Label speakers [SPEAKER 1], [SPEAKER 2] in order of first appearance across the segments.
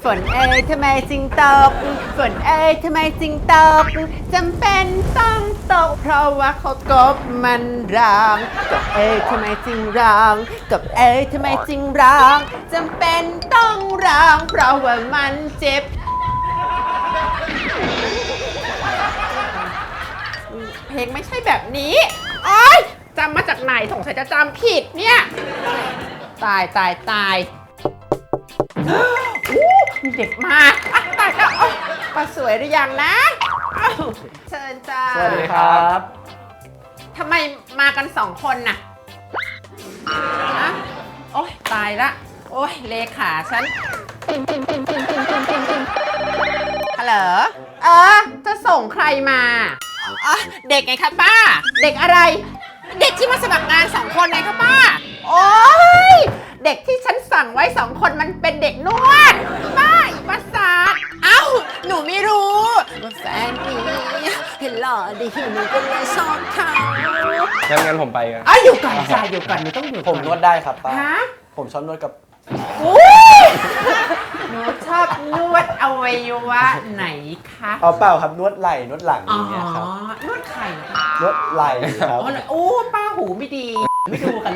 [SPEAKER 1] ฝนเอ้ยทำไมจึงตกฝนเอ้ยทำไมจึงตกจำเป็นต้องตกเพราะว่าเขากบมันร้องกบเอ้ยทำไมจึงร้องกบเอ้ยทำไมจึงร้องจำเป็นต้องร้องเพราะว่ามันเจ็บเพลงไม่ใช่แบบนี้โอ๊ยจำมาจากไหนสงสัยจะจำผิดเนี่ยตายมีเด็กมาตายแล้วป้าสวยหรือยังนะเชิญจ้า
[SPEAKER 2] สวัสดีครับ
[SPEAKER 1] ทำไมมากัน2 คนน่ะอะโอ๊ยตายละโอ๊ยเลขาฉันฮัลโหลจะส่งใครมาเด็กไงคะป้าเด็กอะไรเด็กที่มาสมัครงาน2 คนไงคะป้าโอ๊ยเด็กที่ฉันสั่งไว้2 คนมันเป็นเด็กนวดป้าอีประสาทเอ้าหนูไม่รู้ว่าแฟนนี้เห็นหล่อดีหนูก็เลยชอบเขา
[SPEAKER 2] งั้นผมไปกัน
[SPEAKER 1] อยู่ก่อนจ้าอยู่ก่อนหนูต้องอยู่ก่อน
[SPEAKER 2] ผมนวดได้ครับป้า
[SPEAKER 1] ฮะ
[SPEAKER 2] ผมชอบนวดกับ
[SPEAKER 1] หนูชอบนวดอวัยวะไหนคะ
[SPEAKER 2] เอาเปล่าครับนวดไหล่นวดหลังอย่างเงี้ยครับ
[SPEAKER 1] นวดไข่เหรอคะ
[SPEAKER 2] นวดไหล่ครับ
[SPEAKER 1] โอ้ป้าหูไม่ดีไม่ดูกันเลย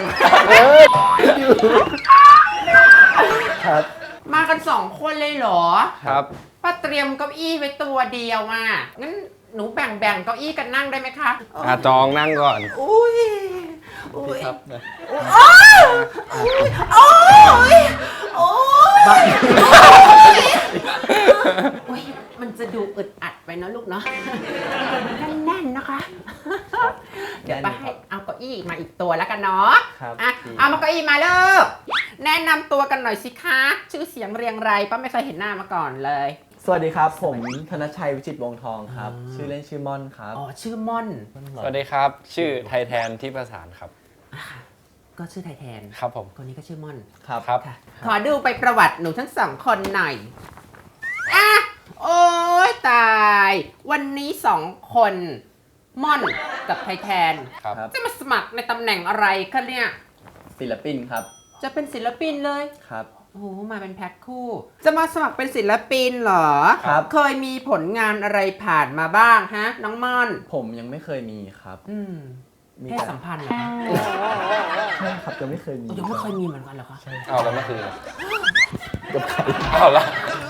[SPEAKER 2] ครับ
[SPEAKER 1] มากัน2 คนเลยเหรอ
[SPEAKER 2] ครับ
[SPEAKER 1] ป้าเตรียมเก้าอี้ไว้ตัวเดียวอ่ะงั้นหนูแบ่งเก้าอี้กันนั่งได้ไหมคะ
[SPEAKER 2] จองนั่งก่อน
[SPEAKER 1] อุ้ย
[SPEAKER 2] พี่ครับ
[SPEAKER 1] โอ้ยมันจะดูอึดอัดไปนะลูกเนาะแน่นๆนะคะ เดี๋ยวป้าให้เอาเก้าอี้มาอีกตัวแล้วกันเนาะ
[SPEAKER 2] ครับ
[SPEAKER 1] เอามาเก้าอี้มาลูกแนะนำตัวกันหน่อยสิคะชื่อเสียงเรียงไรป้าไม่เคยเห็นหน้ามาก่อนเลย
[SPEAKER 3] สวัสดีครับ ผมธนชัยวิจิตรวงศ์ทองครับ ชื่อเล่นชื่อม่อนครับ
[SPEAKER 1] ชื่อม่อน
[SPEAKER 2] สวัสดีครับ ชื่อไทยแทนที่ประสานครับ
[SPEAKER 1] ก็ชื่อไทยแทน
[SPEAKER 2] ครับผม
[SPEAKER 1] คนนี้ก็ชื่อม่อน
[SPEAKER 3] ครับ
[SPEAKER 2] ครับ
[SPEAKER 1] ค่ะขอดูไปประวัติหนูทั้ง2 คนหน่อยโอ้ยตาย วันนี้2 คนม่อนกับไทยแทน
[SPEAKER 2] ครับ
[SPEAKER 1] จะมาสมัครในตำแหน่งอะไรคะเนี่ย
[SPEAKER 3] ศิลปินครับ
[SPEAKER 1] จะเป็นศิลปินเลย
[SPEAKER 3] ครับ
[SPEAKER 1] โอ้โหมาเป็นแพ็คคู่ จะมาสมัครเป็นศิลปินเหรอ
[SPEAKER 3] ครับ
[SPEAKER 1] เคยมีผลงานอะไรผ่านมาบ้างฮะ น้องม่อน
[SPEAKER 3] ผมยังไม่เคยมีครับ มี
[SPEAKER 1] เพศสัมพันธ์เหรอคะ
[SPEAKER 3] ใช่ครับยังไม่เคยมี
[SPEAKER 1] ยังไม่เคยมีเหมือนกันเหรอคะ
[SPEAKER 2] เอาแล้วเมื่อคืน
[SPEAKER 3] กับใคร
[SPEAKER 2] เอาละ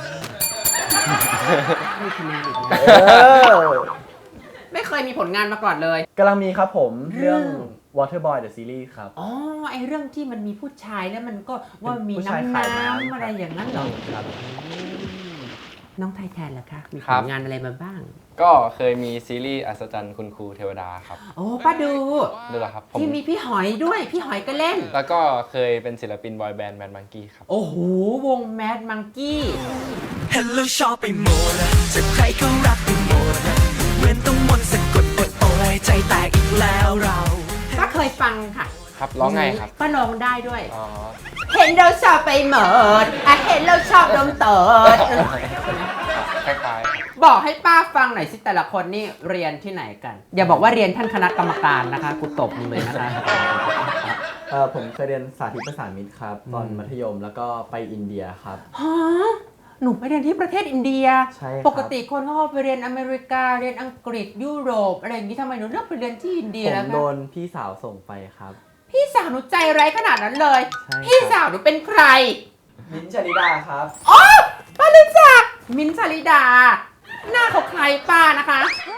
[SPEAKER 1] ไม่คะแนนอีก
[SPEAKER 3] เออ
[SPEAKER 1] ไม่เคยมีผลงานมาก่อนเลย
[SPEAKER 3] กำลังมีครับผมเรื่อง Waterboy the Series ครับ
[SPEAKER 1] อ๋อ ไอเรื่องที่มันมีผู้ชายแล้วมันก็ว่ามี
[SPEAKER 3] ผู้ชาย
[SPEAKER 1] น้ำ
[SPEAKER 3] ขายน้ำ
[SPEAKER 1] อะไรอย่างนั้นเหรอ
[SPEAKER 3] ครับ
[SPEAKER 1] น้องไทยแทนล่ะคะ มีผลงานอะไรมาบ้าง
[SPEAKER 2] ก็เคยมีซีรีส์อัศจรรย์คุณครูเทวดาครับ
[SPEAKER 1] โอ้ป้าดู
[SPEAKER 2] ดูแล้วครับผม
[SPEAKER 1] ที่มีพี่หอยด้วย พี่หอยก็เล่น
[SPEAKER 2] แล้วก็เคยเป็นศิลปินบอยแบนด์แมนมังกี้ครับ
[SPEAKER 1] โอ้โห วงแมดมังกี้
[SPEAKER 4] เห็นแล้วชอบไปหมดจะใครก็รักไปหมดเหมือนต้องมนต์สะกดอดโอยใจแตกอีกแล้วเรา
[SPEAKER 1] ป้าเคยฟังค่ะ
[SPEAKER 2] ครับร้องไงครับ
[SPEAKER 1] ป้าร้องได้ด้วย
[SPEAKER 2] อ๋อ
[SPEAKER 1] เห็นเราชอบไปหมดเห็นเราชอบดมเติด
[SPEAKER 2] คล้าย
[SPEAKER 1] บอกให้ป้าฟังหน่อยสิแต่ละคนนี่เรียนที่ไหนกัน อย่าบอกว่าเรียนท่านคณะกรรมการนะคะกูตบมึงเลยนะคะ
[SPEAKER 3] ผมเคยเรียนสาธิตประสานมิตรครับ ตอนมัธยมแล้วก็ไปอินเดียครับ
[SPEAKER 1] ฮะหนูไปเรียนที่ประเทศอินเดีย
[SPEAKER 3] ใช่ครับ
[SPEAKER 1] ปกติคนเขาไปเรียนอเมริกาเรียนอังกฤษยุโรปอะไรอย่างนี้ทำไมหนูเลือกไปเรียนที่อินเดีย
[SPEAKER 3] ผม
[SPEAKER 1] แล้ว
[SPEAKER 3] โด
[SPEAKER 1] คะ
[SPEAKER 3] นพี่สาวส่งไปครับ
[SPEAKER 1] พี่สาวหนูใจร้ายขนาดนั้นเลย
[SPEAKER 3] ใช่ครับ
[SPEAKER 1] พี่สาวหนูเป็นใคร
[SPEAKER 3] มิ้นท์ชลิดาครับ
[SPEAKER 1] อ๋อป้ารู้จักมินท์ชลิดา หน้าเขาคล้ายป้านะคะ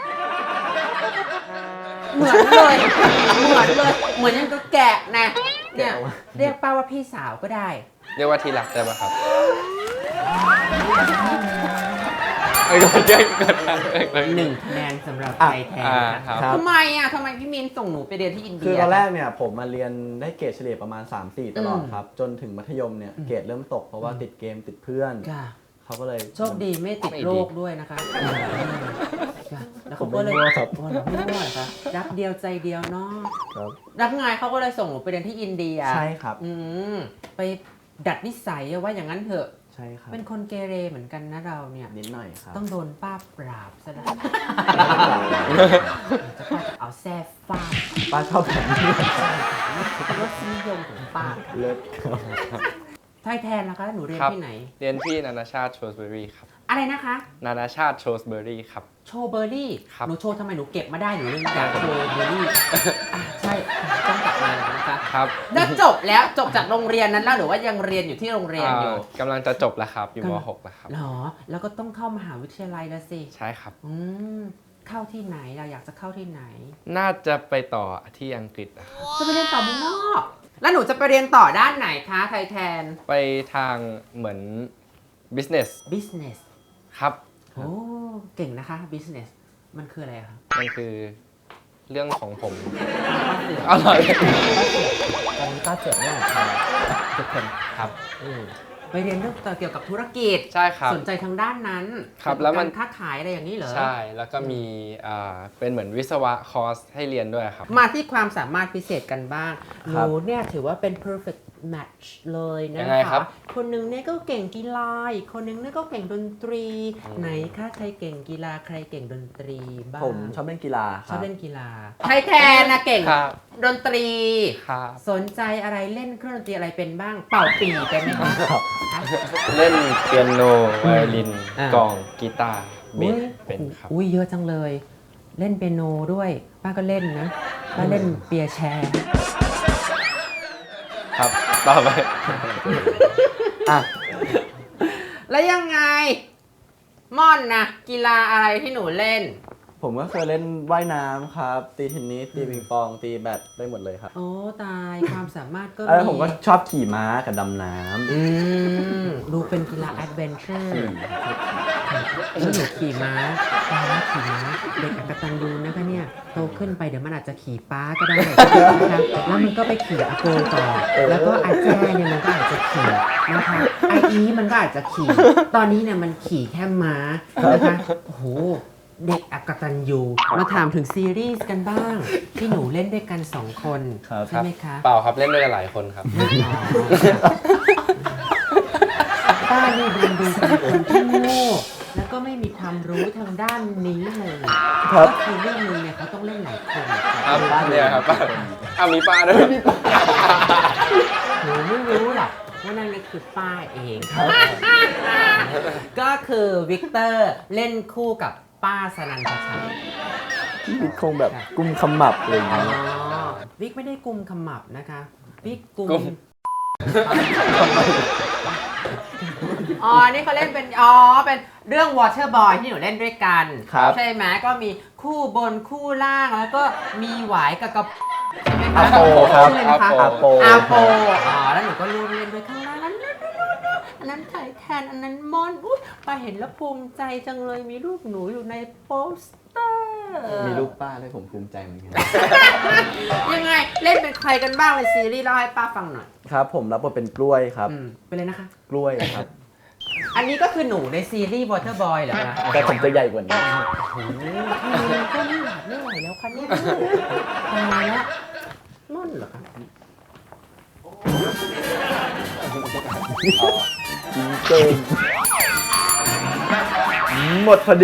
[SPEAKER 1] เหมือนเลย เหมือนยังก็แกะนะเนี่ยเรียกป้าว่าพี่สาวก็ได้
[SPEAKER 2] ๆ เรียกว่าทีรักได้ไหมครับเอ้ยเกิดอะไรเลย
[SPEAKER 1] 1 คะแนนสำหรับไทยแทน
[SPEAKER 2] ครับ
[SPEAKER 3] ครับ
[SPEAKER 1] ทำไมทำไมพี่มินส่งหนูไปเรียนที่อินเดีย
[SPEAKER 3] คือตอนแรกเนี่ยผมมาเรียนได้เกรดเฉลี่ยประมาณ 3-4 ตลอดครับ จนถึงมัธยมเนี่ยเกรดเริ่มตกเพราะว่าติดเกมติดเพื่อน
[SPEAKER 1] ค่ะ
[SPEAKER 3] เขาก็เลย
[SPEAKER 1] โชคดีไม่ติดโรคด้วยนะคะแล้วเขาก็เลย
[SPEAKER 3] ผมไม่มั่วครับ
[SPEAKER 1] โอ้หนูไม่มั่วเหรอคะรักเดียวใจเดียวเนาะ
[SPEAKER 3] ครับ
[SPEAKER 1] รักไงเขาก็เลยส่งหนูไปเรียนที่อินเดีย
[SPEAKER 3] ใช่ครับ
[SPEAKER 1] ไปดัดนิสัยว่าอย่างนั้นเถอะ
[SPEAKER 3] ใช่ครับ
[SPEAKER 1] เป็นคนเกเรเหมือนกันนะเราเนี่ย
[SPEAKER 3] นิดหน่อยครับ
[SPEAKER 1] ต้องโดนป้าปราบซะแล้วจะป้าจะเอาแซ่ฟาด
[SPEAKER 3] ป้าชอบแบบนี้
[SPEAKER 1] รสนิยมของป้าค่ะ
[SPEAKER 3] เลิศครับ
[SPEAKER 1] ไทยแทนนะคะหนูเรียน
[SPEAKER 2] ครับ
[SPEAKER 1] ที่ไหน
[SPEAKER 2] เรียนที่นานาชาติโชสเบอรี่ครับ
[SPEAKER 1] อะไรนะคะ
[SPEAKER 2] นานาชาติโชสเบอรี่ครับ
[SPEAKER 1] โชว์เบอร์รี่
[SPEAKER 2] ครับ
[SPEAKER 1] หนูโชว์ทำไมหนูเก็บมาได้หนูเลยอยากโชว์เบอร์รี่ใช่ต้องกลับมานะคะ
[SPEAKER 2] ครับ
[SPEAKER 1] แล้วจบแล้วจบจากโรงเรียนนั้นแล้วหรือว่ายังเรียนอยู่ที่โรงเรียนอยู่
[SPEAKER 2] กำลังจะจบแล้วครับ อยู่ม .6 แล้วครับ
[SPEAKER 1] หรอแล้วก็ต้องเข้ามหาวิทยาลัยแล้วสิ
[SPEAKER 2] ใช่ครับ
[SPEAKER 1] เข้าที่ไหนเราอยากจะเข้าที่ไหน
[SPEAKER 2] น่าจะไปต่อที่อังกฤษนะครับ
[SPEAKER 1] จะไปเรียนต่อเมืองนอกแล้วหนูจะไปเรียนต่อด้านไหนคะไทยแทน
[SPEAKER 2] ไปทางเหมือน business
[SPEAKER 1] business
[SPEAKER 2] ครับ
[SPEAKER 1] โอ้เก่งนะคะ business มันคืออะไรอะคะ
[SPEAKER 2] มันคือเรื่องของผม
[SPEAKER 1] อ
[SPEAKER 2] อร่อย
[SPEAKER 3] ตอนนี้ป้าเจ๋งเนี่ยทุกคน
[SPEAKER 2] ครับ
[SPEAKER 1] ไปเรียนเรื่องเกี่ยวกับธุรกิจ
[SPEAKER 2] ใช่ครับ
[SPEAKER 1] สนใจทางด้านนั้น
[SPEAKER 2] ครับแล้วมัน
[SPEAKER 1] การค้าขายอะไรอย่างนี้เหรอ
[SPEAKER 2] ใช่ แล้วก็มีเป็นเหมือนวิศวะคอร์สให้เรียนด้วยครับ
[SPEAKER 1] มาที่ความสามารถพิเศษกันบ้างห
[SPEAKER 3] ครั
[SPEAKER 1] นู
[SPEAKER 3] บ
[SPEAKER 1] เนี่ยถือว่าเป็น perfect match เลยนะ
[SPEAKER 2] ยังไงครั
[SPEAKER 1] คะ
[SPEAKER 2] บ
[SPEAKER 1] คนหนึ่งเนี่ยก็เก่งกีฬาอีกคนหนึงเนี่ยก็เก่งดนตรี ไหนคะใครเก่งกีฬาใครเก่งดนตรีบ้าง
[SPEAKER 3] ผมชอบเล่นกีฬาค
[SPEAKER 1] ชอ
[SPEAKER 3] รั
[SPEAKER 1] บบ เล่นกีฬาไทยแทนนะเก่ง
[SPEAKER 2] ครับ
[SPEAKER 1] ดนตรี
[SPEAKER 2] ครับ
[SPEAKER 1] สนใจอะไรเล่นเครื่องดนตรีอะไรเป็นบ้าง เป่าปีเป็นไหมคะ
[SPEAKER 2] เล่นเปียโนไวโอลิน
[SPEAKER 1] อ่า
[SPEAKER 2] กลองกีตาร์เบสเป็นครับ
[SPEAKER 1] อุ้ยเยอะจังเลย เล่นเปียโนด้วย ป้าก็เล่นนะ ป้าเล่นเปียแชร์
[SPEAKER 2] ครับต่อไป
[SPEAKER 3] อ่ะ
[SPEAKER 1] แล้วยังไง ม่อนนะกีฬาอะไรที่หนูเล่น
[SPEAKER 3] ผมก็เคยเล่นว่ายน้ำครับ ตีเทนนิส ตีปิงปอง ตีแบดได้หมดเลยครับ
[SPEAKER 1] โอ้ตายความสามารถก็
[SPEAKER 3] แล้วผมก็ชอบขี่ม้ากับดำน้
[SPEAKER 1] ดูเป็นกีฬาแอดเวนเจอร์
[SPEAKER 3] ำ
[SPEAKER 1] แล้วหนูขี่ม้าขี่ม้าเด็กอกตันยูนะคะเนี่ยโตขึ้นไปเดี๋ยวมันอาจจะขี่ป้าก็ได้นะคะแล้วมันก็ไปขี่อาโกต่อ แล้วก็อาแจ้เนี่ยมันก็อาจจะขี่นะคะไออีมันก็อาจจะขี่ ตอนนี้เนี่ยมันขี่แค่ม้านะคะโอ้โหเด็กอกตันยูมาถามถึงซีรีส์กันบ้าง ที่หนูเล่นด้วยกัน2 คน
[SPEAKER 3] ครับ
[SPEAKER 1] ใช่ไหมคะ
[SPEAKER 2] เปล่าครับเล่นด้วยกันหลายคนครับ
[SPEAKER 1] ป้านี่ดูเป็นคนที่โง่แล้วก็ไม่มีความรู้ทางด้านนี้เลย
[SPEAKER 3] ครับ
[SPEAKER 1] ก็คือเรื่องนึงเนี่ยเขาต้องเล่นหลายคน
[SPEAKER 2] ครับเนี่ยครับป้ามีป้าด้วย
[SPEAKER 1] หนูไม่รู้หรอกว่านั่นก็คือป้าเอง ก็คือวิกเตอร์เล่นคู่กับป้าสนันทชัย
[SPEAKER 3] พี่วิทย์คงแบบกุมขมับอะไรอย่าง
[SPEAKER 1] อ๋อ
[SPEAKER 3] เงี้ย
[SPEAKER 1] วิกไม่ได้กุมขมับนะคะวิกกุ
[SPEAKER 2] กุม
[SPEAKER 1] อ๋อ นี่เขาเล่นเป็น เป็นเรื่อง Water Boy ที่หนูเล่นด้วยกัน
[SPEAKER 3] ครับ
[SPEAKER 1] ใช่ไหมก็มีคู่บนคู่ล่างแล้วก็มีหวายกับกระใช่ไหมคะ
[SPEAKER 3] อาโปครับ
[SPEAKER 1] ชื่ออะไรนะคะ
[SPEAKER 3] อาโป
[SPEAKER 1] อาโปแล้วหนูก็ร่วมเล่นด้วยข้างล่างนั้นอันนั้นไทยแทนอันนั้นมอนอุ้ยป้าเห็นแล้วภูมิใจจังเลยมีรูปหนูอยู่ในโปสเตอร์
[SPEAKER 3] มีลูกป้าด้วยผมภูมิใจเหมือนกัน
[SPEAKER 1] ยังไงเล่นเป็นใครกันบ้างในซีรีส์เล่าให้ป้าฟังหน่อย
[SPEAKER 3] ครับผมรับบทเป็นกล้วยครับ
[SPEAKER 1] เป็นเลยนะคะ
[SPEAKER 3] กล้วยครับ
[SPEAKER 1] อันนี้ก็คือหนูในซีรีส์ Water Boy เหรอคะ
[SPEAKER 3] แต่ผมจะใหญ่กว่านี้
[SPEAKER 1] โอ้โหก็ไม่ไหวแล้วคะเนี่ยตายแล้วม่อนเหรอคะ
[SPEAKER 3] จริงเกินหมดพอดี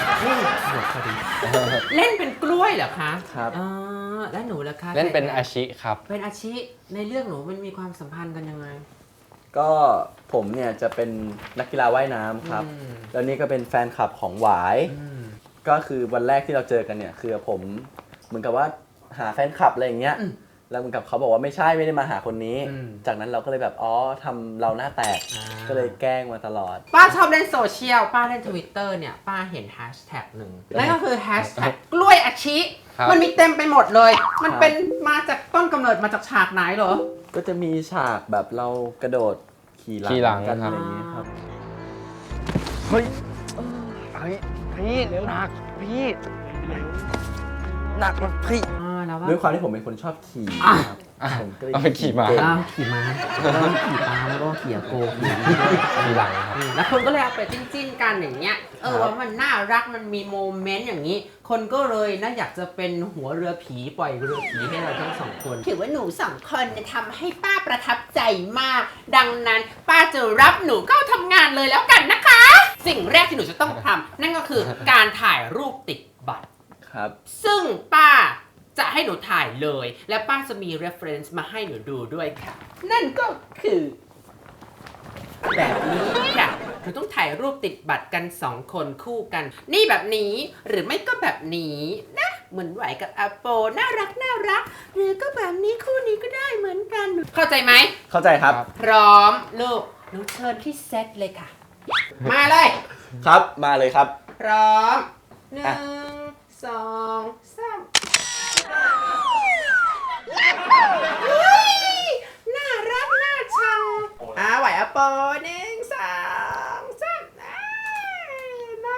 [SPEAKER 1] เล่นเป็นกล้วยเหรอคะ
[SPEAKER 3] ครับ
[SPEAKER 1] อ๋อแล้วหนูล่ะคะ
[SPEAKER 2] เล่นเป็นอาชิครับ
[SPEAKER 1] เป็นอาชีในเรื่องหนูมันมีความสัมพันธ์กันยังไง
[SPEAKER 3] ก็ผมเนี่ยจะเป็นนักกีฬาว่ายน้ำครับ แล้วนี่ก็เป็นแฟนคลับของหวาย ก็คือวันแรกที่เราเจอกันเนี่ยคือผมเหมือนกับว่าหาแฟนคลับอะไรอย่างเงี้ย แล้วเหมือนกับเขาบอกว่าไม่ใช่ไม่ได้มาหาคนนี้ จากนั้นเราก็เลยแบบอ๋อทำเราหน้าแตก ก็เลยแกล้งมาตลอด
[SPEAKER 1] ป้าชอบเล่นโซเชียลป้าเล่น Twitter เนี่ยป้าเห็นแฮชแท็กหนึ่งนั่นก็คือแฮชแท็กกล้วยอาชิ
[SPEAKER 2] ครับ
[SPEAKER 1] มันมีเต็มไปหมดเลย มันเป็นมาจากต้นกำเนิดมาจากฉากไหนเหรอ
[SPEAKER 3] ก็จะมีฉากแบบเรากระโดดขี่ห
[SPEAKER 2] ขี่หลั
[SPEAKER 3] ลั
[SPEAKER 2] ง
[SPEAKER 3] งกัน
[SPEAKER 2] ครั
[SPEAKER 3] อะ
[SPEAKER 2] บ
[SPEAKER 3] ไรอย่างเงี้ยครับ
[SPEAKER 2] เฮ้ยพี่หนักพี่หนักมันพี่
[SPEAKER 1] แล้วว่า
[SPEAKER 3] ด้วยความที่ผมเป็นคนชอบขี่
[SPEAKER 1] อ่ะ
[SPEAKER 3] ครับผมก็เลย
[SPEAKER 2] เอาไปขี่ม้า
[SPEAKER 3] เก่ง
[SPEAKER 1] ขี่ม้าแล้วขี่ปลาแล้วก็ขี่อาโกขี่นี่ด้วย
[SPEAKER 2] ทีหลังครับ
[SPEAKER 1] แล้วคนก็เลยเอาไปจิ้นๆกันอย่างเงี้ย ว่ามันน่ารักมันมีโมเมนต์อย่างนี้ คนก็เลยน่าอยากจะเป็นหัวเรือผีปล่อยเรือผีให้เราทั้ง2 คนถือว่าหนู2 คนทำให้ป้าประทับใจมาก ดังนั้นป้าจะรับหนูเข้าทำงานเลยแล้วกันนะคะ สิ่งแรกที่หนูจะต้องทำนั่นก็คือการถ่ายรูปติดบัตร
[SPEAKER 3] ครับ
[SPEAKER 1] ซึ่งป้าจะให้หนูถ่ายเลย และป้าจะมี reference มาให้หนูดูด้วยค่ะ นั่นก็คือแบบนี้ค่ะหนูต้องถ่ายรูปติดบัตรกัน2 คนคู่กัน นี่แบบนี้หรือไม่ก็แบบนี้นะ เหมือนไหวกับอาโปน่ารักหรือก็แบบนี้คู่นี้ก็ได้เหมือนกัน เข้าใจไหม
[SPEAKER 3] เข้าใจครับ
[SPEAKER 1] พร้อมลูกหนูเชิญที่เซตเลยค่ะ มาเลย
[SPEAKER 3] ครับมาเลยครับ
[SPEAKER 1] พร้อม
[SPEAKER 3] อ่ะ
[SPEAKER 1] 1 2 3เฮ้ยน่ารักน่าชังไหวอะโป1 2 3น่า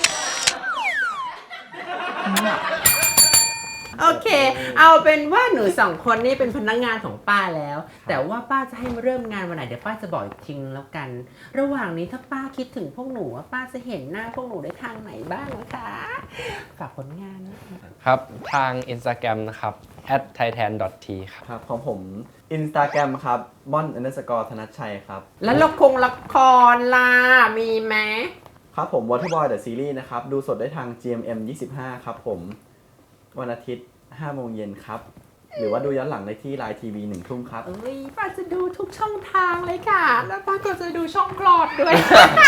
[SPEAKER 1] รักโอเค เอาเป็นว่าหนู2 คนนี่เป็นพนักงานของป้าแล้ว แต่ว่าป้าจะให้มาเริ่มงานวันไหนเดี๋ยวป้าจะบอกอีกทีนึงแล้วกัน ระหว่างนี้ถ้าป้าคิดถึงพวกหนูว่าป้าจะเห็นหน้าพวกหนูได้ทางไหนบ้างนะคะ ฝากผลงานนะคะ
[SPEAKER 2] ครับ ทาง Instagram นะครับ @thaitan.t ครับ
[SPEAKER 3] ครับของผม Instagram ครับม่อน _ ธนัชชัยครับ
[SPEAKER 1] แล้วละครล่ะมีไหม
[SPEAKER 3] ครับผม Waterboy The Series นะครับ ดูสดได้ทาง GMM 25 ครับผม วันอาทิตย์ 5 โมงเย็นครับ หรือว่าดูย้อนหลังได้ที่ Line TV 1 ทุ่มครับ
[SPEAKER 1] เอ้ยป้าจะดูทุกช่องทางเลยค่ะ แล้วป้าก็จะดูช่องคลอดด้วย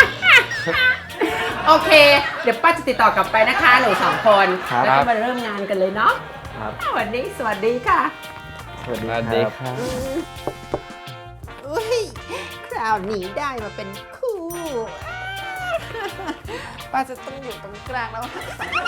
[SPEAKER 1] โอเค เดี๋ยวป้าจะติดต่อกลับไปนะคะหนู2 คน
[SPEAKER 3] ครับ
[SPEAKER 1] แล้วก็มาเริ่มงานกันเลยเนาะ
[SPEAKER 3] ครับ
[SPEAKER 1] วันนี้สวัสดีค่ะ
[SPEAKER 3] สวัสดี
[SPEAKER 2] สวัสดี
[SPEAKER 3] ครับ
[SPEAKER 2] ครับ
[SPEAKER 1] อุ้ยคราวนี้ได้มาเป็นคู่ ป้าจะต้องอยู่ตรงกลางแล้ว